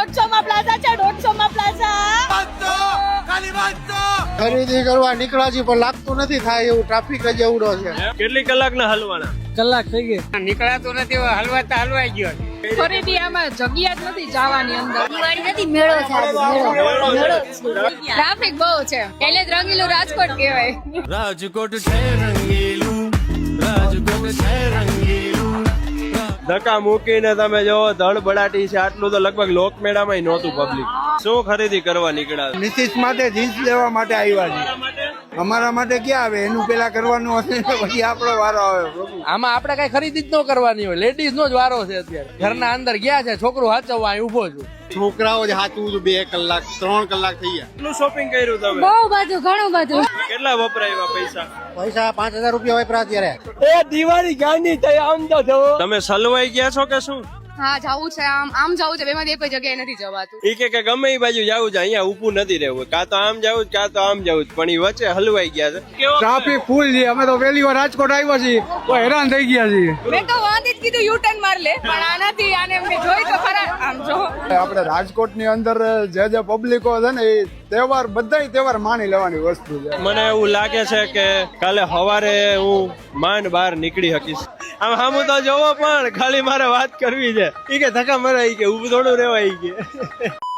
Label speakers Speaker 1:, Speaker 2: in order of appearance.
Speaker 1: 150 માં પ્લાઝા છે, 150 માં પ્લાઝા.
Speaker 2: ખરીદી કરવા નીકળ્યા છીએ પણ લાગતું નથી થાય એવું, ટ્રાફિક જ એવડો છે.
Speaker 3: કેટલી કલાકના હલવાના?
Speaker 4: કલાક થઈ ગઈ.
Speaker 5: નીકળાતું નથી, હલવાતા હલવાઈ ગયો.
Speaker 1: ખરીદી આમાં જગ્યા જ નથી જવાની અંદર. દિવાળી નથી, મેળો છે. ટ્રાફિક બહુ છે એટલે જ રંગીલું રાજકોટ કહેવાય.
Speaker 3: રાજકોટ છે રંગીલું, રાજકોટ છે રંગીલું. ધક્કા મૂકીને તમે જોવો ધડબડાટી છે, આટલું તો લગભગ લોકમેળામાં નહોતું પબ્લિક. શું ખરીદી કરવા નીકળ્યા?
Speaker 2: નીતિશ માટે જીન્સ લેવા માટે આવ્યા છે. અમારા માટે ક્યાં આવે, એનું પેલા કરવાનું હશે ને પછી આપણો વારો આવે.
Speaker 4: આમાં આપણે કઈ ખરીદી જ ન કરવાની હોય, લેડીઝ નો જ વારો છે અત્યારે. ઘરના અંદર ગયા છે, છોકરો હાચવવા અહીં ઉભો છું.
Speaker 2: છોકરાઓ જ સાચવું છું, 2 કલાક 3 કલાક થઈ ગયા.
Speaker 3: કેટલું શોપિંગ કર્યું તમે?
Speaker 1: બહુ બધું, ઘણું બધું.
Speaker 3: કેટલા વપરાયા પૈસા?
Speaker 2: પૈસા 5000 રૂપિયા વાપરા અત્યારે.
Speaker 4: એ દિવાળી ગાંધી થઈ આમ તો જવો.
Speaker 3: તમે સલવાઈ ગયા છો કે શું?
Speaker 1: હા, જાવું છે, આમ જાવું છે, બેમાંથી એક જગ્યાએ નથી જવાતું.
Speaker 3: ઈ કે ગમે એ બાજુ જવું છે, અહીંયા ઊભું નથી રહેવું, કાં તો આમ જવું કાં તો આમ જવું, પણ ઈ વચ્ચે હલવાઈ ગયા છે.
Speaker 2: ટ્રાફિક ફૂલ છે. અમે તો પહેલી વાર રાજકોટ આવ્યા છીએ તો હેરાન થઈ ગયા છીએ.
Speaker 1: મેં તો વાંધી જ કીધું યુ ટર્ન માર લે, પણ આનાથી આને મેં જોઈ તો ખરા. આમ જો
Speaker 2: આપણે રાજકોટ ની અંદર જે પબ્લિકો છે ને એ તહેવાર, બધા તહેવાર માની લેવાની વસ્તુ છે.
Speaker 3: મને એવું લાગે છે કે કાલે સવારે હું માંડ બહાર નીકળી શકીશ. આમ સામું તો જોવો, પણ ખાલી મારે વાત કરવી છે. ઈ કે ધક્કા મરાઈ કે ઊભું થોડું રહેવાય કે